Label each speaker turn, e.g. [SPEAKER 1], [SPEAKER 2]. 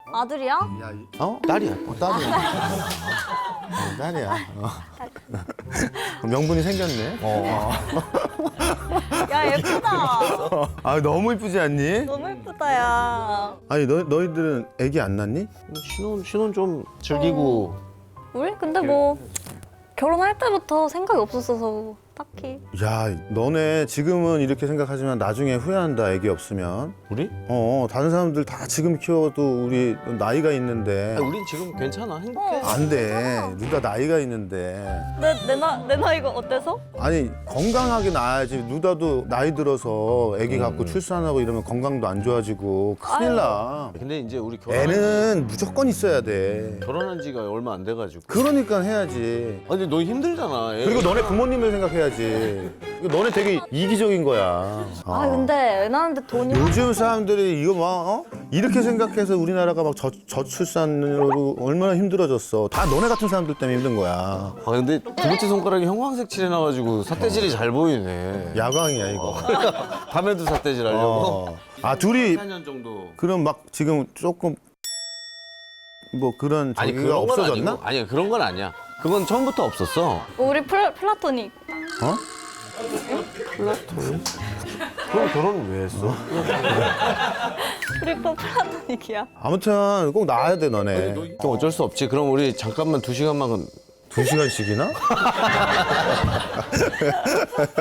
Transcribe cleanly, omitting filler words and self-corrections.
[SPEAKER 1] 아들이야?
[SPEAKER 2] 야,
[SPEAKER 3] 딸이야.
[SPEAKER 2] 딸이야. 딸이야. 명분이 생겼네.
[SPEAKER 1] 야 예쁘다.
[SPEAKER 2] 아, 너무 이쁘지 않니?
[SPEAKER 1] 너무 예쁘다 야.
[SPEAKER 2] 아니, 너희들은 애기 안 낳니?
[SPEAKER 3] 신혼 좀 즐기고.
[SPEAKER 1] 우리 근데 뭐 결혼할 때부터 생각이 없었어서 딱히.
[SPEAKER 2] 야, 너네 지금은 이렇게 생각하지만 나중에 후회한다, 애기 없으면.
[SPEAKER 3] 우리?
[SPEAKER 2] 다른 사람들 다 지금 키워도 우리 나이가 있는데.
[SPEAKER 3] 우린 지금 괜찮아. 행복해.
[SPEAKER 2] 안 돼. 누가 나이가 있는데.
[SPEAKER 1] 내 나이가 어때서?
[SPEAKER 2] 아니, 건강하게 낳아야지. 누다도 나이 들어서 애기 갖고 출산하고 이러면 건강도 안 좋아지고 큰일 나.
[SPEAKER 3] 근데 이제 우리
[SPEAKER 2] 애는 무조건 있어야 돼.
[SPEAKER 3] 결혼한 지가 얼마 안 돼가지고.
[SPEAKER 2] 그러니까 해야지.
[SPEAKER 3] 아니, 근데 너 힘들잖아. 애.
[SPEAKER 2] 그리고 너네 부모님을 생각해야지. 이거 너네 되게 이기적인 거야.
[SPEAKER 1] 아 근데 애 낳는데 돈이
[SPEAKER 2] 요즘 사람들이 이거 막 이렇게 생각해서 우리나라가 막 저출산으로 얼마나 힘들어졌어. 다 너네 같은 사람들 때문에 힘든 거야.
[SPEAKER 3] 아, 근데 두 번째 손가락이 형광색 칠해놔가지고 삿대질이 잘 보이네.
[SPEAKER 2] 야광이야 이거.
[SPEAKER 3] 밤에도 삿대질 하려고.
[SPEAKER 2] 아 둘이
[SPEAKER 3] 4년 정도.
[SPEAKER 2] 그럼 막 지금 조금 뭐 그런
[SPEAKER 3] 아니,
[SPEAKER 2] 저기가
[SPEAKER 3] 그런 건
[SPEAKER 2] 없어졌나?
[SPEAKER 3] 아니고. 아니야, 그런 건 아니야. 그건 처음부터 없었어.
[SPEAKER 1] 우리 플라토닉.
[SPEAKER 2] 어?
[SPEAKER 3] 그럼 결혼은 왜 했어?
[SPEAKER 1] 우리 플라토닉이야.
[SPEAKER 2] 아무튼 꼭 나와야 돼 너네.
[SPEAKER 3] 좀 어쩔 수 없지. 그럼 우리 잠깐만 2시간만
[SPEAKER 2] 2시간씩이나?